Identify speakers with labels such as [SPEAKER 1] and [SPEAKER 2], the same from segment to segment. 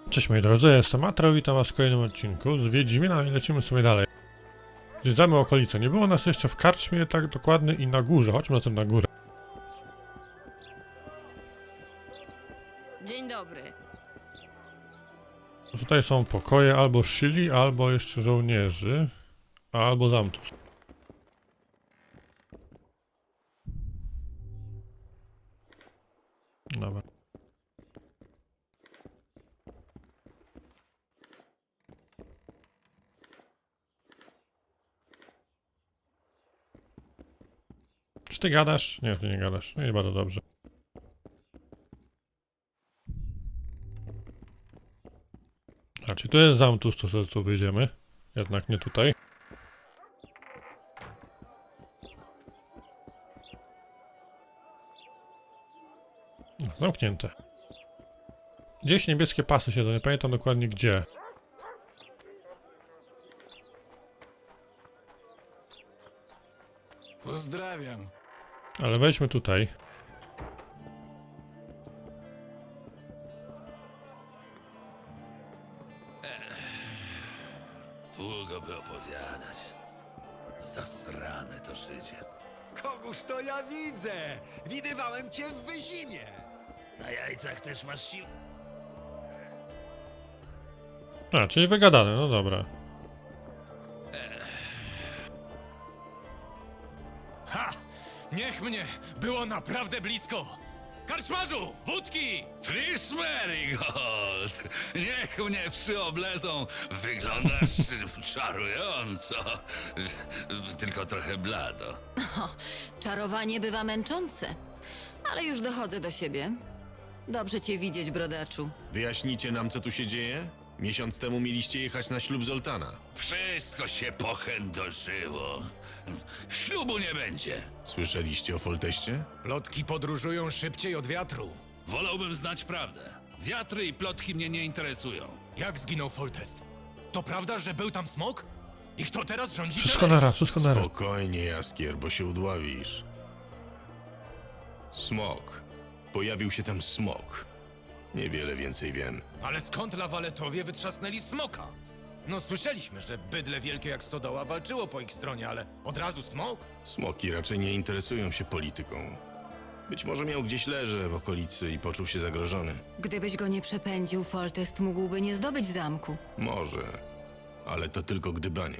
[SPEAKER 1] Cześć moi drodzy, jestem Atro, witam was w kolejnym odcinku z Wiedźmina i lecimy sobie dalej. Zwiedzamy okolice, nie było nas jeszcze w karczmie tak dokładnie i na górze, chodźmy na tym na górę.
[SPEAKER 2] Dzień dobry.
[SPEAKER 1] Tutaj są pokoje albo szyli, albo jeszcze żołnierzy, albo zamtus. Dobra. Czy ty gadasz? Nie, ty nie gadasz. No i bardzo dobrze. A czy tu jest zamtus, to sobie tu wyjdziemy? Jednak nie tutaj. No, zamknięte. Gdzieś niebieskie pasy siedzą, nie pamiętam dokładnie gdzie.
[SPEAKER 3] Pozdrawiam.
[SPEAKER 1] Ale wejdźmy tutaj.
[SPEAKER 3] Długo by opowiadać. Zasrane to życie.
[SPEAKER 4] Kogoż to ja widzę? Widywałem cię w Wyzimie.
[SPEAKER 3] Na jajcach też masz sił?
[SPEAKER 1] A, czyli wygadane, no dobra.
[SPEAKER 5] Ha! Niech mnie! Było naprawdę blisko! Karczmarzu! Wódki!
[SPEAKER 3] Trish Merigold! Niech mnie przyoblezą. Wyglądasz czarująco. Tylko trochę blado.
[SPEAKER 2] Czarowanie bywa męczące, ale już dochodzę do siebie. Dobrze cię widzieć, brodaczu.
[SPEAKER 6] Wyjaśnicie nam, co tu się dzieje? Miesiąc temu mieliście jechać na ślub Zoltana.
[SPEAKER 3] Wszystko się pochędożyło. Ślubu nie będzie.
[SPEAKER 6] Słyszeliście o Folteście?
[SPEAKER 5] Plotki podróżują szybciej od wiatru.
[SPEAKER 3] Wolałbym znać prawdę. Wiatry i plotki mnie nie interesują.
[SPEAKER 5] Jak zginął Foltest? To prawda, że był tam smok? I kto teraz rządzi?
[SPEAKER 1] Wszystko naraz, wszystko naraz.
[SPEAKER 6] Spokojnie, Jaskier, bo się udławisz. Smok. Pojawił się tam smok. Niewiele więcej wiem.
[SPEAKER 5] Ale skąd lawaletowie wytrzasnęli smoka? No słyszeliśmy, że bydle wielkie jak stodoła walczyło po ich stronie, ale od razu smok?
[SPEAKER 6] Smoki raczej nie interesują się polityką. Być może miał gdzieś leże w okolicy i poczuł się zagrożony.
[SPEAKER 2] Gdybyś go nie przepędził, Foltest mógłby nie zdobyć zamku.
[SPEAKER 6] Może, ale to tylko gdybanie.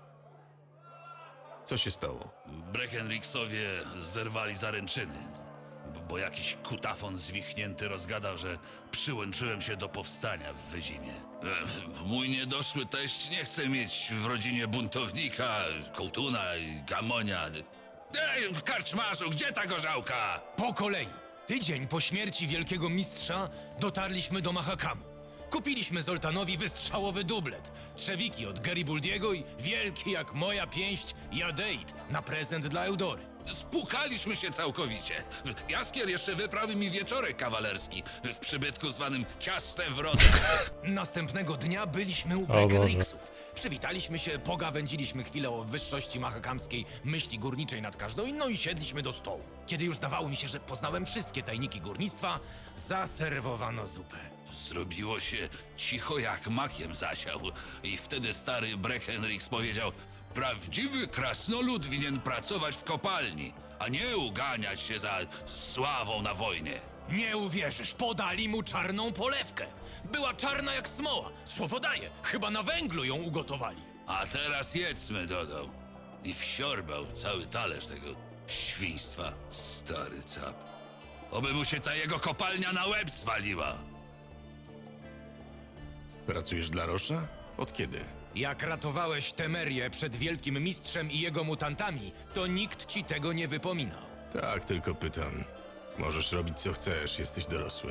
[SPEAKER 6] Co się stało?
[SPEAKER 3] Breckenrixowie zerwali zaręczyny, bo jakiś kutafon zwichnięty rozgadał, że przyłączyłem się do powstania w Wyzimie. Mój niedoszły teść nie chce mieć w rodzinie buntownika, kołtuna i gamonia. Ej, karczmarzu, gdzie ta gorzałka?
[SPEAKER 5] Po kolei. Tydzień po śmierci wielkiego mistrza dotarliśmy do Mahakamu. Kupiliśmy Zoltanowi wystrzałowy dublet, trzewiki od Garibaldiego i wielki jak moja pięść Jadeit na prezent dla Eudory.
[SPEAKER 3] Spłukaliśmy się całkowicie. Jaskier jeszcze wyprawił mi wieczorek kawalerski w przybytku zwanym Ciasne Wrota.
[SPEAKER 5] Następnego dnia byliśmy u
[SPEAKER 1] Boże.
[SPEAKER 5] Breckenrixów. Przywitaliśmy się, pogawędziliśmy chwilę o wyższości mahakamskiej myśli górniczej nad każdą inną i siedliśmy do stołu. Kiedy już zdawało mi się, że poznałem wszystkie tajniki górnictwa, zaserwowano zupę.
[SPEAKER 3] Zrobiło się cicho jak makiem zasiał i wtedy stary Breckenrix powiedział: prawdziwy krasnolud winien pracować w kopalni, a nie uganiać się za sławą na wojnie.
[SPEAKER 5] Nie uwierzysz, podali mu czarną polewkę. Była czarna jak smoła. Słowo daję, chyba na węglu ją ugotowali.
[SPEAKER 3] A teraz jedzmy, dodał. I wsiorbał cały talerz tego świństwa. Stary cap. Oby mu się ta jego kopalnia na łeb zwaliła.
[SPEAKER 6] Pracujesz dla Rosza? Od kiedy?
[SPEAKER 5] Jak ratowałeś Temerię przed wielkim mistrzem i jego mutantami, to nikt ci tego nie wypominał.
[SPEAKER 6] Tak, tylko pytam. Możesz robić co chcesz, jesteś dorosły.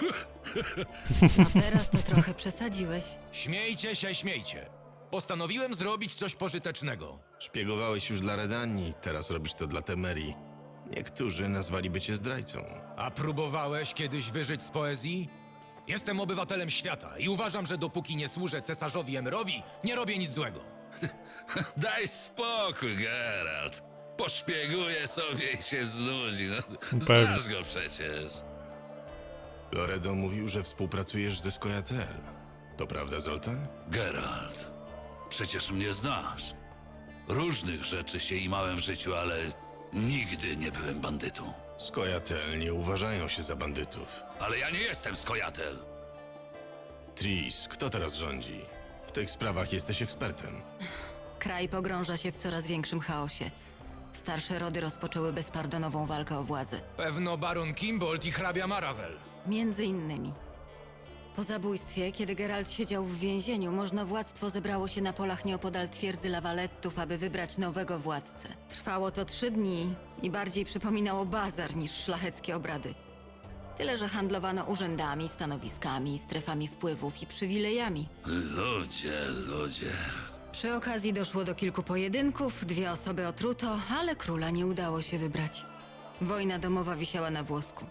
[SPEAKER 2] A teraz to trochę przesadziłeś.
[SPEAKER 5] Śmiejcie się, śmiejcie. Postanowiłem zrobić coś pożytecznego.
[SPEAKER 6] Szpiegowałeś już dla Redanii, teraz robisz to dla Temerii. Niektórzy nazwaliby cię zdrajcą.
[SPEAKER 5] A próbowałeś kiedyś wyżyć z poezji? Jestem obywatelem świata i uważam, że dopóki nie służę cesarzowi Emerowi, nie robię nic złego.
[SPEAKER 3] Daj spokój, Geralt. Poszpieguje sobie i się znudzi. No,
[SPEAKER 1] Pewnie.
[SPEAKER 3] znasz go przecież.
[SPEAKER 6] Loredo mówił, że współpracujesz ze Skojatel. To prawda, Zoltan?
[SPEAKER 3] Geralt, przecież mnie znasz. Różnych rzeczy się imałem w życiu, ale nigdy nie byłem bandytą.
[SPEAKER 6] Skojatel nie uważają się za bandytów.
[SPEAKER 3] Ale ja nie jestem skojatel.
[SPEAKER 6] Tris, kto teraz rządzi? W tych sprawach jesteś ekspertem.
[SPEAKER 2] Kraj pogrąża się w coraz większym chaosie. Starsze rody rozpoczęły bezpardonową walkę o władzę.
[SPEAKER 5] Pewno baron Kimbold i hrabia Maravel.
[SPEAKER 2] Między innymi. Po zabójstwie, kiedy Geralt siedział w więzieniu, możnowładztwo zebrało się na polach nieopodal twierdzy Lawalettów, aby wybrać nowego władcę. Trwało to 3 dni i bardziej przypominało bazar niż szlacheckie obrady. Tyle, że handlowano urzędami, stanowiskami, strefami wpływów i przywilejami.
[SPEAKER 3] Ludzie.
[SPEAKER 2] Przy okazji doszło do kilku pojedynków, 2 osoby otruto, ale króla nie udało się wybrać. Wojna domowa wisiała na włosku.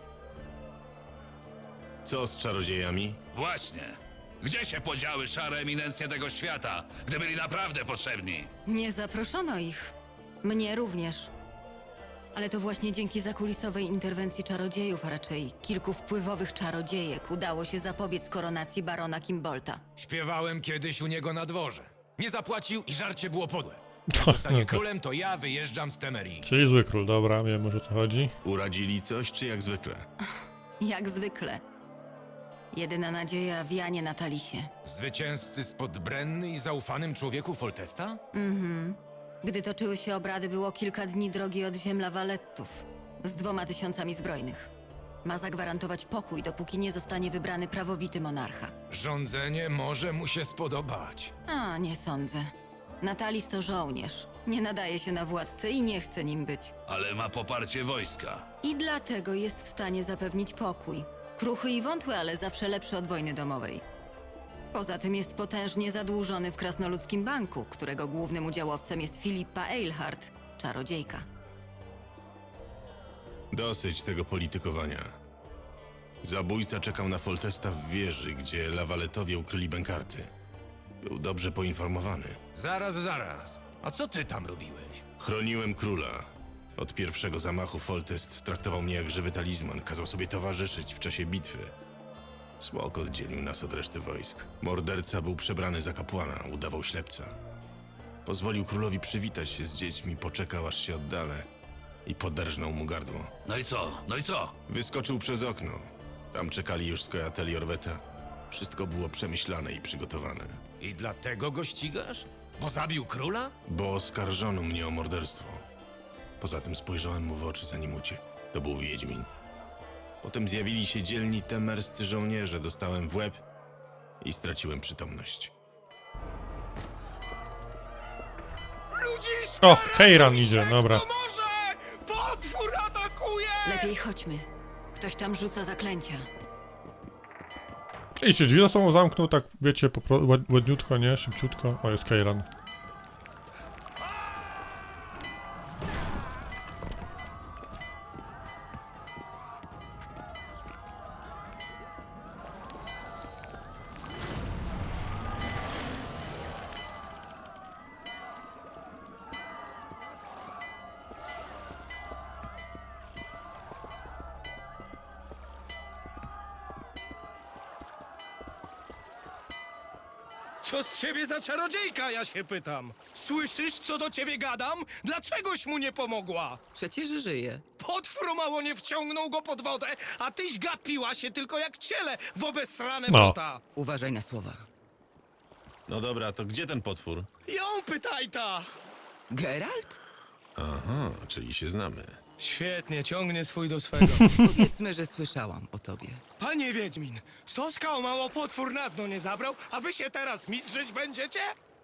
[SPEAKER 6] Co z czarodziejami?
[SPEAKER 3] Właśnie. Gdzie się podziały szare eminencje tego świata, gdy byli naprawdę potrzebni?
[SPEAKER 2] Nie zaproszono ich. Mnie również. Ale to właśnie dzięki zakulisowej interwencji czarodziejów, a raczej kilku wpływowych czarodziejek, udało się zapobiec koronacji barona Kimbolta.
[SPEAKER 5] Śpiewałem kiedyś u niego na dworze. Nie zapłacił i żarcie było podłe. Jak zostanie królem, to ja wyjeżdżam z Temerii.
[SPEAKER 1] Czyli zły król, dobra, wiem już o co chodzi.
[SPEAKER 6] Uradzili coś, czy jak zwykle?
[SPEAKER 2] Jak zwykle. Jedyna nadzieja w Janie Natalisie.
[SPEAKER 5] Zwycięzcy spod Brenny i zaufanym człowieku Foltesta?
[SPEAKER 2] Gdy toczyły się obrady, było kilka dni drogi od ziem Lawalettów z 2000 zbrojnych. Ma zagwarantować pokój, dopóki nie zostanie wybrany prawowity monarcha.
[SPEAKER 5] Rządzenie może mu się spodobać.
[SPEAKER 2] A, nie sądzę. Natalis to żołnierz. Nie nadaje się na władcę i nie chce nim być.
[SPEAKER 3] Ale ma poparcie wojska.
[SPEAKER 2] I dlatego jest w stanie zapewnić pokój. Kruchy i wątły, ale zawsze lepszy od wojny domowej. Poza tym jest potężnie zadłużony w Krasnoludzkim Banku, którego głównym udziałowcem jest Filipa Eilhart, czarodziejka.
[SPEAKER 6] Dosyć tego politykowania. Zabójca czekał na Foltesta w wieży, gdzie Lawaletowie ukryli bękarty. Był dobrze poinformowany.
[SPEAKER 5] Zaraz. A co ty tam robiłeś?
[SPEAKER 6] Chroniłem króla. Od pierwszego zamachu Foltest traktował mnie jak żywy talizman, kazał sobie towarzyszyć w czasie bitwy. Smok oddzielił nas od reszty wojsk. Morderca był przebrany za kapłana, udawał ślepca. Pozwolił królowi przywitać się z dziećmi, poczekał aż się oddalę i poderżnął mu gardło.
[SPEAKER 3] No i co?
[SPEAKER 6] Wyskoczył przez okno. Tam czekali już skojateli Orweta. Wszystko było przemyślane i przygotowane.
[SPEAKER 5] I dlatego go ścigasz? Bo zabił króla?
[SPEAKER 6] Bo oskarżono mnie o morderstwo. Poza tym spojrzałem mu w oczy, zanim uciekł. To był Wiedźmin. Potem zjawili się dzielni temerscy żołnierze, dostałem w łeb i straciłem przytomność.
[SPEAKER 1] O, Heiran idzie, dobra.
[SPEAKER 5] Może! Potwór atakuje!
[SPEAKER 2] Lepiej chodźmy. Ktoś tam rzuca zaklęcia.
[SPEAKER 1] I się drzwi za sobą zamknął, tak wiecie, ładniutko, nie? Szybciutko. O, jest Heiran.
[SPEAKER 7] Co z ciebie za czarodziejka, ja się pytam? Słyszysz, co do ciebie gadam? Dlaczegoś mu nie pomogła?
[SPEAKER 8] Przecież żyje.
[SPEAKER 7] Potwór mało nie wciągnął go pod wodę, a tyś gapiła się tylko jak ciele w obesrane
[SPEAKER 1] No.
[SPEAKER 7] wrota.
[SPEAKER 8] Uważaj na słowa.
[SPEAKER 6] No dobra, to gdzie ten potwór?
[SPEAKER 7] Ją pytaj ta!
[SPEAKER 8] Geralt?
[SPEAKER 6] Aha, czyli się znamy.
[SPEAKER 7] Świetnie, ciągnie swój do swego.
[SPEAKER 8] Powiedzmy, że słyszałam o tobie.
[SPEAKER 7] Panie Wiedźmin, Soska o mało potwór na dno nie zabrał, a wy się teraz mistrzyć będziecie?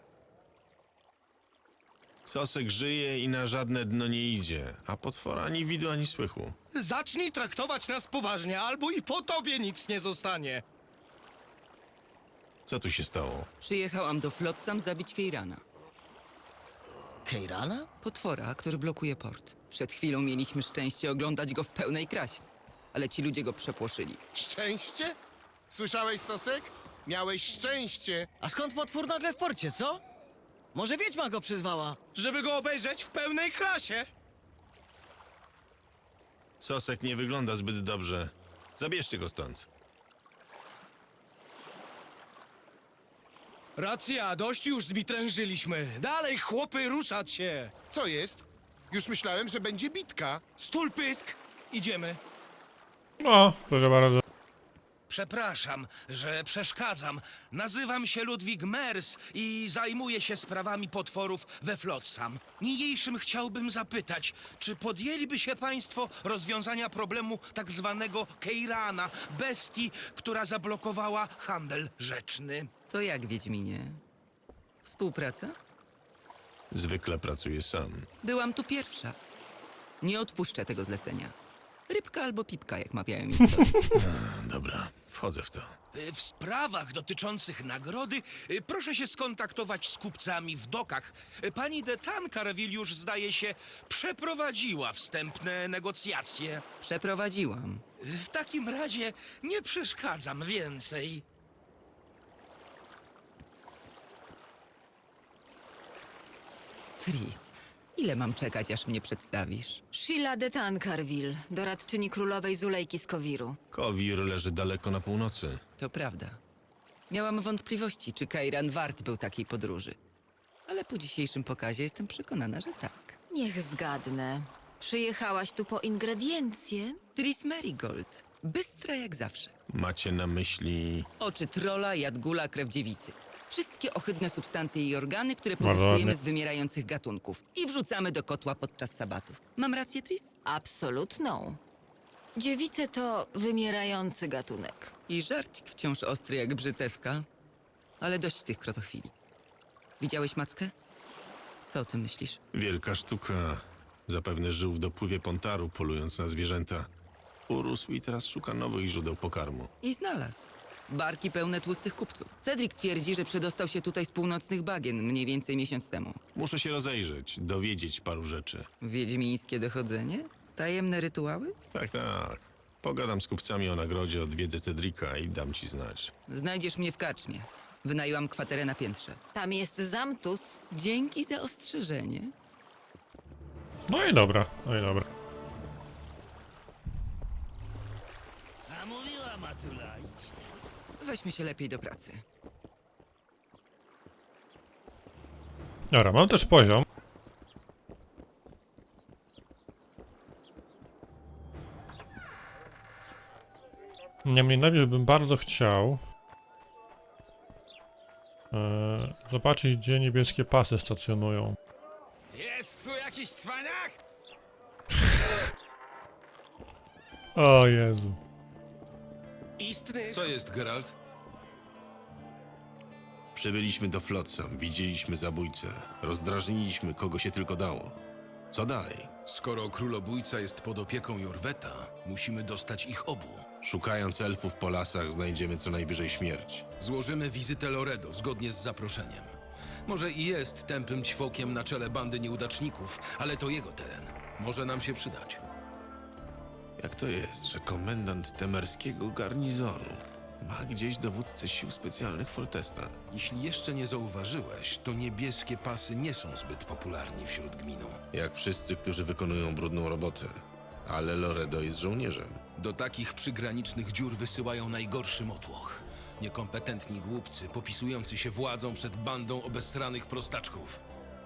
[SPEAKER 6] Sosek żyje i na żadne dno nie idzie, a potwora ani widu, ani słychu.
[SPEAKER 7] Zacznij traktować nas poważnie, albo i po tobie nic nie zostanie.
[SPEAKER 6] Co tu się stało?
[SPEAKER 8] Przyjechałam do Flotsam zabić Keirana.
[SPEAKER 9] Keirana?
[SPEAKER 8] Potwora, który blokuje port. Przed chwilą mieliśmy szczęście oglądać go w pełnej krasie. Ale ci ludzie go przepłoszyli.
[SPEAKER 9] Szczęście? Słyszałeś, Sosek? Miałeś szczęście.
[SPEAKER 10] A skąd potwór nagle w porcie, co? Może wiedźma go przyzwała?
[SPEAKER 7] Żeby go obejrzeć w pełnej klasie.
[SPEAKER 6] Sosek nie wygląda zbyt dobrze. Zabierzcie go stąd.
[SPEAKER 7] Racja, dość już zbitrężyliśmy. Dalej, chłopy, ruszać się!
[SPEAKER 9] Co jest? Już myślałem, że będzie bitka.
[SPEAKER 7] Stul pysk! Idziemy.
[SPEAKER 1] O, proszę bardzo.
[SPEAKER 11] Przepraszam, że przeszkadzam. Nazywam się Ludwig Mers i zajmuję się sprawami potworów we Flotsam. Niniejszym chciałbym zapytać, czy podjęliby się państwo rozwiązania problemu tak zwanego Keirana, bestii, która zablokowała handel rzeczny?
[SPEAKER 8] To jak, Wiedźminie? Współpraca?
[SPEAKER 6] Zwykle pracuję sam.
[SPEAKER 8] Byłam tu pierwsza. Nie odpuszczę tego zlecenia. Rybka albo pipka, jak mawiają miejscowi.
[SPEAKER 6] Dobra, wchodzę w to.
[SPEAKER 11] W sprawach dotyczących nagrody proszę się skontaktować z kupcami w dokach. Pani de Tancarville już, zdaje się, przeprowadziła wstępne negocjacje.
[SPEAKER 8] Przeprowadziłam.
[SPEAKER 11] W takim razie nie przeszkadzam więcej.
[SPEAKER 8] Tris, ile mam czekać, aż mnie przedstawisz?
[SPEAKER 2] Sheila de Tancarville, doradczyni królowej Zulejki z Kowiru.
[SPEAKER 6] Kowir leży daleko na północy.
[SPEAKER 8] To prawda. Miałam wątpliwości, czy Kairan wart był takiej podróży. Ale po dzisiejszym pokazie jestem przekonana, że tak.
[SPEAKER 2] Niech zgadnę. Przyjechałaś tu po ingrediencje?
[SPEAKER 8] Tris Merigold. Bystra jak zawsze.
[SPEAKER 6] Macie na myśli...
[SPEAKER 8] Oczy trola, jadgula, krew dziewicy. Wszystkie ohydne substancje i organy, które
[SPEAKER 1] Bardzo
[SPEAKER 8] pozyskujemy
[SPEAKER 1] ładnie.
[SPEAKER 8] z wymierających gatunków. I wrzucamy do kotła podczas sabatów. Mam rację, Tris?
[SPEAKER 2] Absolutną. Dziewice to wymierający gatunek.
[SPEAKER 8] I żarcik wciąż ostry jak brzytewka. Ale dość tych krotochwili. Widziałeś mackę? Co o tym myślisz?
[SPEAKER 6] Wielka sztuka. Zapewne żył w dopływie Pontaru, polując na zwierzęta. Urósł i teraz szuka nowych źródeł pokarmu.
[SPEAKER 8] I znalazł. Barki pełne tłustych kupców. Cedric twierdzi, że przedostał się tutaj z północnych bagien mniej więcej miesiąc temu.
[SPEAKER 6] Muszę się rozejrzeć, dowiedzieć paru rzeczy.
[SPEAKER 8] Wiedźmińskie dochodzenie? Tajemne rytuały?
[SPEAKER 6] Tak, tak. Pogadam z kupcami o nagrodzie, odwiedzę Cedrika i dam ci znać.
[SPEAKER 8] Znajdziesz mnie w karczmie. Wynajęłam kwaterę na piętrze.
[SPEAKER 2] Tam jest Zamtus.
[SPEAKER 8] Dzięki za ostrzeżenie.
[SPEAKER 1] No i dobra, no i dobra.
[SPEAKER 11] A mówiła Matula.
[SPEAKER 8] Weźmy się lepiej do pracy.
[SPEAKER 1] Dobra, mam też poziom. Niemniej najpierw bym bardzo chciał zobaczyć, gdzie niebieskie pasy stacjonują.
[SPEAKER 7] Jest tu jakiś cwaniak?
[SPEAKER 1] O Jezu.
[SPEAKER 7] Istny.
[SPEAKER 5] Co jest, Geralt?
[SPEAKER 6] Przybyliśmy do Flotsam, widzieliśmy zabójcę, rozdrażniliśmy kogo się tylko dało. Co dalej?
[SPEAKER 5] Skoro królobójca jest pod opieką Jorweta, musimy dostać ich obu.
[SPEAKER 6] Szukając elfów po lasach znajdziemy co najwyżej śmierć.
[SPEAKER 5] Złożymy wizytę Loredo zgodnie z zaproszeniem. Może i jest tępym ćwokiem na czele bandy nieudaczników, ale to jego teren. Może nam się przydać.
[SPEAKER 6] Jak to jest, że komendant temerskiego garnizonu ma gdzieś dowódcę sił specjalnych Foltesta?
[SPEAKER 5] Jeśli jeszcze nie zauważyłeś, to niebieskie pasy nie są zbyt popularni wśród gminu.
[SPEAKER 6] Jak wszyscy, którzy wykonują brudną robotę. Ale Loredo jest żołnierzem.
[SPEAKER 5] Do takich przygranicznych dziur wysyłają najgorszy motłoch. Niekompetentni głupcy, popisujący się władzą przed bandą obesranych prostaczków.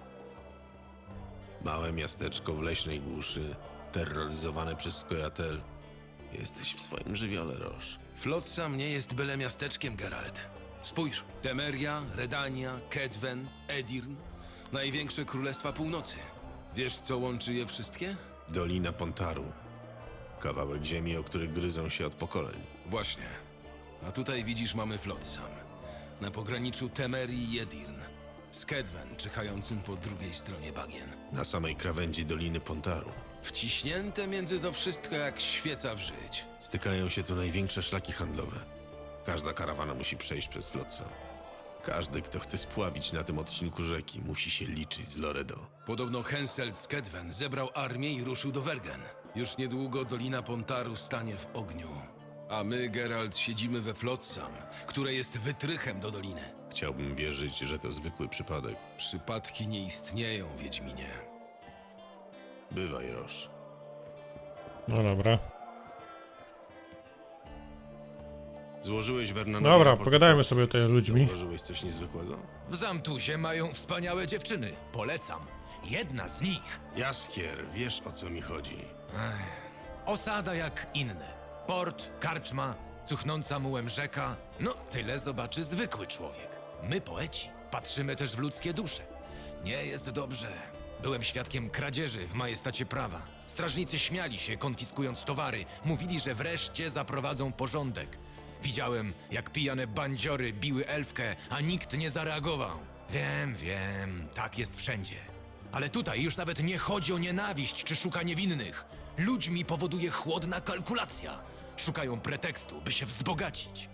[SPEAKER 6] Małe miasteczko w leśnej głuszy, terroryzowane przez Skojatel. Jesteś w swoim żywiole, Roż.
[SPEAKER 5] Flotsam nie jest byle miasteczkiem, Geralt. Spójrz, Temeria, Redania, Kedwen, Edirn. Największe królestwa północy. Wiesz, co łączy je wszystkie?
[SPEAKER 6] Dolina Pontaru. Kawałek ziemi, o których gryzą się od pokoleń.
[SPEAKER 5] Właśnie. A tutaj widzisz, mamy Flotsam. Na pograniczu Temerii i Edirn. Z Kedwen czyhającym po drugiej stronie bagien.
[SPEAKER 6] Na samej krawędzi Doliny Pontaru.
[SPEAKER 5] Wciśnięte między to wszystko jak świeca w żyć.
[SPEAKER 6] Stykają się tu największe szlaki handlowe. Każda karawana musi przejść przez Flotsam. Każdy, kto chce spławić na tym odcinku rzeki, musi się liczyć z Loredo.
[SPEAKER 5] Podobno Henselt z Kedwen zebrał armię i ruszył do Wergen. Już niedługo Dolina Pontaru stanie w ogniu. A my, Geralt, siedzimy we Flotsam, które jest wytrychem do doliny.
[SPEAKER 6] Chciałbym wierzyć, że to zwykły przypadek.
[SPEAKER 5] Przypadki nie istnieją, Wiedźminie.
[SPEAKER 6] Bywaj, Roż.
[SPEAKER 1] No dobra.
[SPEAKER 6] Złożyłeś Vernanowi
[SPEAKER 1] Dobra,
[SPEAKER 6] raport
[SPEAKER 1] pogadajmy
[SPEAKER 6] o
[SPEAKER 1] sobie tutaj z ludźmi.
[SPEAKER 6] Zauważyłeś coś niezwykłego?
[SPEAKER 5] W Zamtuzie mają wspaniałe dziewczyny. Polecam. Jedna z nich.
[SPEAKER 6] Jaskier, wiesz o co mi chodzi.
[SPEAKER 5] Osada jak inne. Port, karczma, cuchnąca mułem rzeka. No, tyle zobaczy zwykły człowiek. My, poeci, patrzymy też w ludzkie dusze. Nie jest dobrze. Byłem świadkiem kradzieży w majestacie prawa. Strażnicy śmiali się, konfiskując towary. Mówili, że wreszcie zaprowadzą porządek. Widziałem, jak pijane bandziory biły elfkę, a nikt nie zareagował. Wiem, tak jest wszędzie. Ale tutaj już nawet nie chodzi o nienawiść czy szukanie winnych. Ludźmi powoduje chłodna kalkulacja. Szukają pretekstu, by się wzbogacić.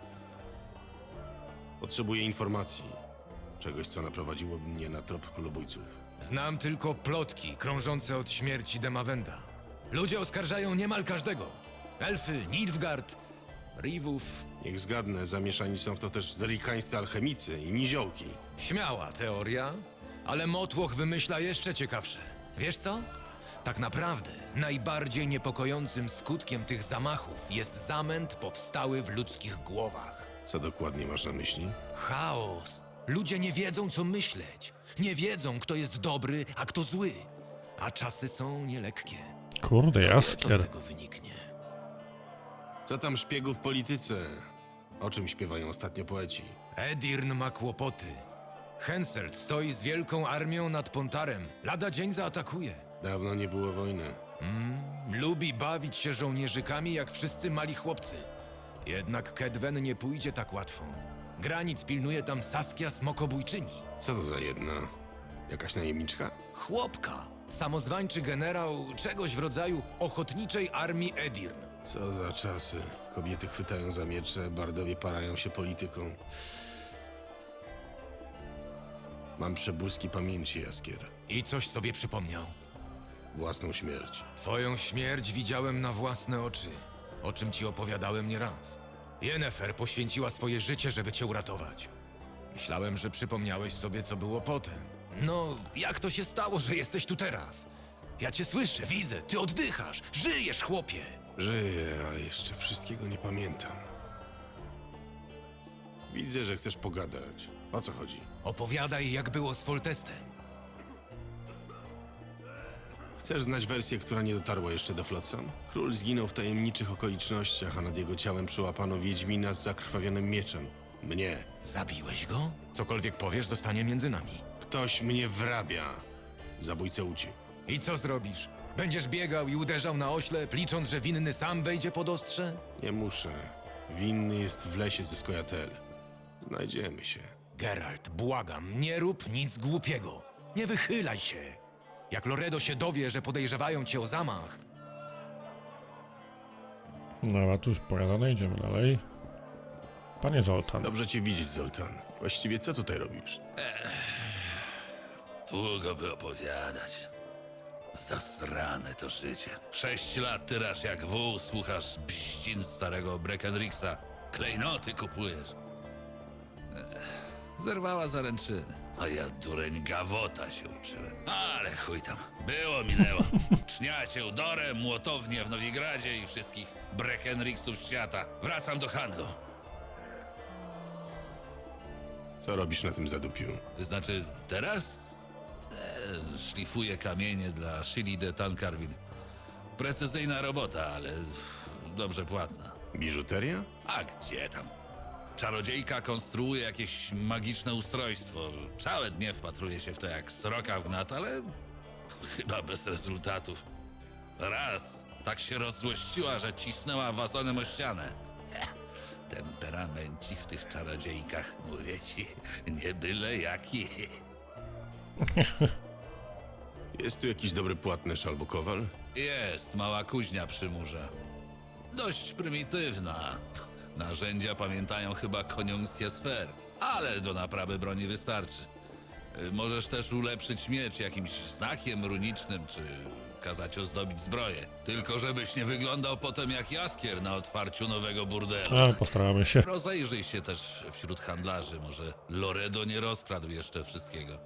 [SPEAKER 6] Potrzebuję informacji. Czegoś, co naprowadziłoby mnie na trop królobójców.
[SPEAKER 5] Znam tylko plotki krążące od śmierci Demawenda. Ludzie oskarżają niemal każdego. Elfy, Nilfgaard, Rivów.
[SPEAKER 6] Niech zgadnę, zamieszani są w to też zerikańscy alchemicy i niziołki.
[SPEAKER 5] Śmiała teoria, ale Motłoch wymyśla jeszcze ciekawsze. Wiesz co? Tak naprawdę najbardziej niepokojącym skutkiem tych zamachów jest zamęt powstały w ludzkich głowach.
[SPEAKER 6] Co dokładnie masz na myśli?
[SPEAKER 5] Chaos. Ludzie nie wiedzą, co myśleć. Nie wiedzą, kto jest dobry, a kto zły. A czasy są nielekkie.
[SPEAKER 1] Kurde,
[SPEAKER 5] Co z
[SPEAKER 1] Jaskier.
[SPEAKER 5] tego wyniknie?
[SPEAKER 6] Co tam szpiegów w polityce? O czym śpiewają ostatnio poeci?
[SPEAKER 5] Edirn ma kłopoty. Henselt stoi z wielką armią nad Pontarem. Lada dzień zaatakuje.
[SPEAKER 6] Dawno nie było wojny.
[SPEAKER 5] Lubi bawić się żołnierzykami jak wszyscy mali chłopcy. Jednak Kedwen nie pójdzie tak łatwo. Granic pilnuje tam Saskia Smokobójczyni.
[SPEAKER 6] Co to za jedna? Jakaś najemniczka?
[SPEAKER 5] Chłopka. Samozwańczy generał czegoś w rodzaju ochotniczej armii Edirn.
[SPEAKER 6] Co za czasy. Kobiety chwytają za miecze, bardowie parają się polityką. Mam przebłyski pamięci, Jaskier.
[SPEAKER 5] I coś sobie przypomniał.
[SPEAKER 6] Własną śmierć.
[SPEAKER 5] Twoją śmierć widziałem na własne oczy, o czym ci opowiadałem nieraz. Yennefer poświęciła swoje życie, żeby cię uratować. Myślałem, że przypomniałeś sobie, co było potem. No, jak to się stało, że jesteś tu teraz? Ja cię słyszę, widzę, ty oddychasz, żyjesz, chłopie!
[SPEAKER 6] Żyję, ale jeszcze wszystkiego nie pamiętam. Widzę, że chcesz pogadać. O co chodzi?
[SPEAKER 5] Opowiadaj, jak było z Foltestem.
[SPEAKER 6] Chcesz znać wersję, która nie dotarła jeszcze do Flotsam? Król zginął w tajemniczych okolicznościach, a nad jego ciałem przyłapano wiedźmina z zakrwawionym mieczem. Mnie.
[SPEAKER 5] Zabiłeś go? Cokolwiek powiesz, zostanie między nami.
[SPEAKER 6] Ktoś mnie wrabia. Zabójca uciekł.
[SPEAKER 5] I co zrobisz? Będziesz biegał i uderzał na oślep, licząc, że winny sam wejdzie pod ostrze?
[SPEAKER 6] Nie muszę. Winny jest w lesie ze Skojatel. Znajdziemy się.
[SPEAKER 5] Geralt, błagam, nie rób nic głupiego. Nie wychylaj się. Jak Loredo się dowie, że podejrzewają cię o zamach,
[SPEAKER 1] Dobra, tu już pogadane, idziemy dalej. Panie Zoltan.
[SPEAKER 6] Dobrze cię widzieć, Zoltan. Właściwie co tutaj robisz?
[SPEAKER 3] Długo by opowiadać. Zasrane to życie. 6 lat tyrasz jak wół, słuchasz bździn starego Breckenrixa. Klejnoty kupujesz. Zerwała zaręczyny. A ja dureń gawota się uczyłem. Ale chuj tam. Było, minęło. Czniacie Udorę, młotownię w Nowigradzie i wszystkich Breckenrixów świata. Wracam do handlu.
[SPEAKER 6] Co robisz na tym zadupiu?
[SPEAKER 3] Znaczy, teraz? Szlifuję kamienie dla Shili de Tancarville. Precyzyjna robota, ale dobrze płatna.
[SPEAKER 6] Biżuteria?
[SPEAKER 3] A gdzie tam? Czarodziejka konstruuje jakieś magiczne ustrojstwo. Całe dnie wpatruje się w to jak sroka w gnat, ale chyba bez rezultatów. Raz tak się rozzłościła, że cisnęła wazonem o ścianę. Temperamencik w tych czarodziejkach, mówię ci, nie byle jaki.
[SPEAKER 6] Jest tu jakiś dobry płatnerz albo kowal?
[SPEAKER 3] Jest mała kuźnia przy murze. Dość prymitywna. Narzędzia pamiętają chyba koniunkcję sfer, ale do naprawy broni wystarczy. Możesz też ulepszyć miecz jakimś znakiem runicznym, czy kazać ozdobić zbroję. Tylko żebyś nie wyglądał potem jak Jaskier na otwarciu nowego burdelu.
[SPEAKER 1] Ale postaramy się.
[SPEAKER 3] Rozejrzyj się też wśród handlarzy, może Loredo nie rozkradł jeszcze wszystkiego.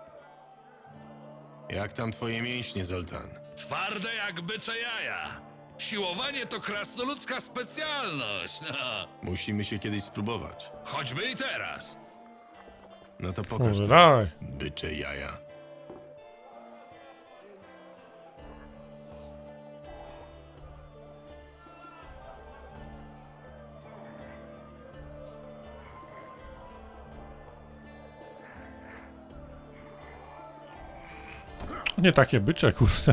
[SPEAKER 6] Jak tam twoje mięśnie, Zoltan?
[SPEAKER 3] Twarde jak bycze jaja. Siłowanie to krasnoludzka specjalność. No.
[SPEAKER 6] Musimy się kiedyś spróbować.
[SPEAKER 3] Choćby i teraz.
[SPEAKER 6] No to pokaż
[SPEAKER 1] Kurde,
[SPEAKER 6] to,
[SPEAKER 1] dawaj.
[SPEAKER 6] bycze jaja.
[SPEAKER 1] Nie takie bycze, kurde.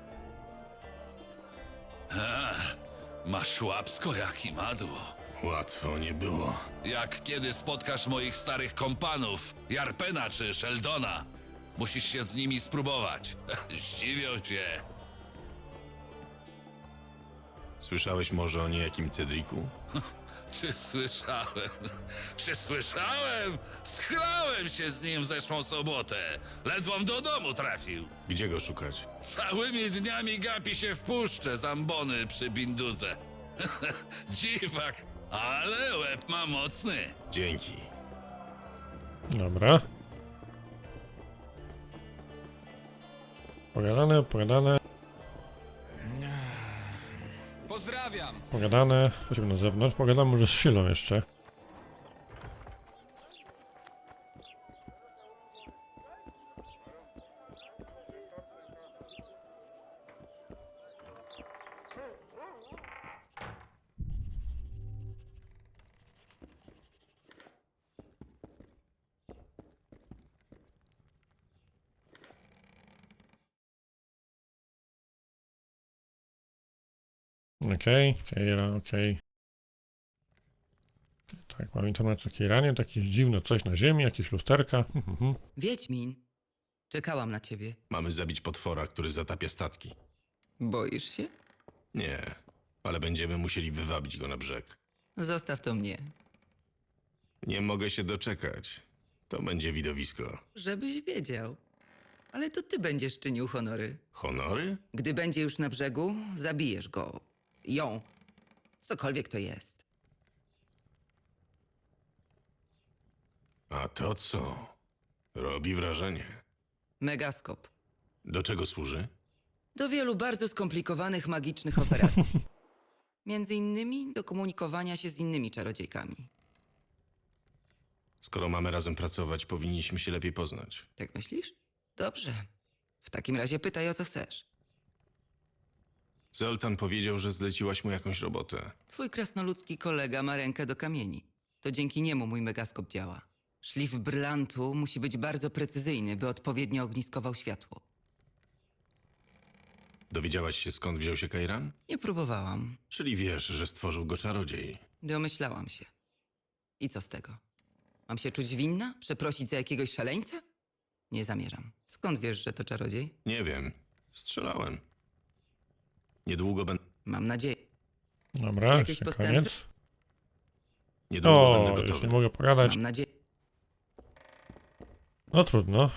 [SPEAKER 3] Masz łapsko jak i madło.
[SPEAKER 6] Łatwo nie było.
[SPEAKER 3] Jak kiedy spotkasz moich starych kompanów, Jarpena czy Sheldona, musisz się z nimi spróbować. Zdziwią cię.
[SPEAKER 6] Słyszałeś może o niejakim Cedriku?
[SPEAKER 3] Czy słyszałem? Czy słyszałem? Schlałem się z nim w zeszłą sobotę. Ledwom do domu trafił.
[SPEAKER 6] Gdzie go szukać?
[SPEAKER 3] Całymi dniami gapi się w puszce zambony przy Binduze. Dziwak, ale łeb ma mocny.
[SPEAKER 6] Dzięki.
[SPEAKER 1] Dobra. Pogadane, pogadane,
[SPEAKER 5] Pozdrawiam!
[SPEAKER 1] pogadane. Chodźmy na zewnątrz, pogadam może z Szylą jeszcze. Okej, Keira, okej. Tak, mam informację o Keiranie, to jakieś dziwne coś na ziemi, jakieś lusterka.
[SPEAKER 8] Wiedźmin, czekałam na ciebie.
[SPEAKER 6] Mamy zabić potwora, który zatapia statki.
[SPEAKER 8] Boisz się?
[SPEAKER 6] Nie, ale będziemy musieli wywabić go na brzeg.
[SPEAKER 8] Zostaw to mnie.
[SPEAKER 6] Nie mogę się doczekać. To będzie widowisko.
[SPEAKER 8] Żebyś wiedział. Ale to ty będziesz czynił honory.
[SPEAKER 6] Honory?
[SPEAKER 8] Gdy będzie już na brzegu, zabijesz go. Ją. Cokolwiek to jest.
[SPEAKER 6] A to co? Robi wrażenie.
[SPEAKER 8] Megaskop.
[SPEAKER 6] Do czego służy?
[SPEAKER 8] Do wielu bardzo skomplikowanych magicznych operacji. Między innymi do komunikowania się z innymi czarodziejkami.
[SPEAKER 6] Skoro mamy razem pracować, powinniśmy się lepiej poznać.
[SPEAKER 8] Tak myślisz? Dobrze. W takim razie pytaj, o co chcesz.
[SPEAKER 6] Zoltan powiedział, że zleciłaś mu jakąś robotę.
[SPEAKER 8] Twój krasnoludzki kolega ma rękę do kamieni. To dzięki niemu mój megaskop działa. Szlif brylantu musi być bardzo precyzyjny, by odpowiednio ogniskował światło.
[SPEAKER 6] Dowiedziałaś się, skąd wziął się Kairan?
[SPEAKER 8] Nie próbowałam.
[SPEAKER 6] Czyli wiesz, że stworzył go czarodziej.
[SPEAKER 8] Domyślałam się. I co z tego? Mam się czuć winna? Przeprosić za jakiegoś szaleńca? Nie zamierzam. Skąd wiesz, że to czarodziej?
[SPEAKER 6] Nie wiem. Strzelałem. Niedługo będę...
[SPEAKER 8] Mam nadzieję.
[SPEAKER 1] Dobra,
[SPEAKER 8] Jakieś
[SPEAKER 1] jeszcze
[SPEAKER 8] postępy?
[SPEAKER 1] koniec.
[SPEAKER 6] Niedługo
[SPEAKER 1] O,
[SPEAKER 6] będę
[SPEAKER 1] już
[SPEAKER 6] gotowy.
[SPEAKER 1] nie mogę pogadać.
[SPEAKER 8] Mam nadzieję.
[SPEAKER 1] No trudno.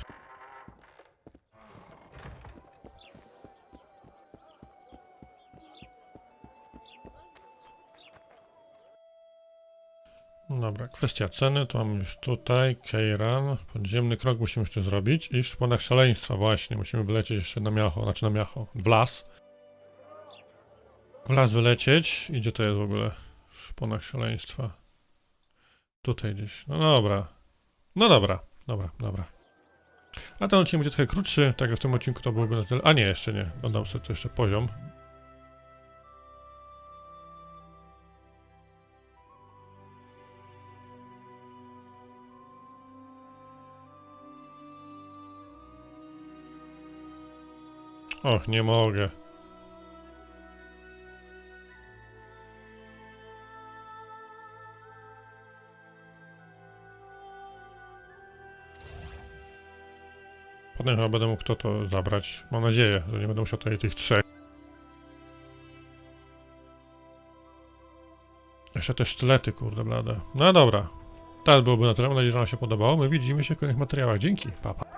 [SPEAKER 1] Dobra, kwestia ceny, to mamy już tutaj, Keiran, podziemny krok musimy jeszcze zrobić i w szponach szaleństwa właśnie, musimy wylecieć jeszcze na miacho, w las. W las wylecieć, i gdzie to jest w ogóle? W szponach szaleństwa. Tutaj gdzieś, no dobra. No dobra, dobra. A ten odcinek będzie trochę krótszy, tak jak w tym odcinku to byłoby na tyle. A nie, jeszcze nie. Dodam sobie tu jeszcze poziom. Och, nie mogę. Potem chyba będę mógł to zabrać. Mam nadzieję, że nie będę musiał tutaj tych trzech. Jeszcze te sztylety, kurde blade. No dobra. Teraz byłoby na tyle. Mam nadzieję, że wam się podobało. My widzimy się w kolejnych materiałach. Dzięki. Pa, pa.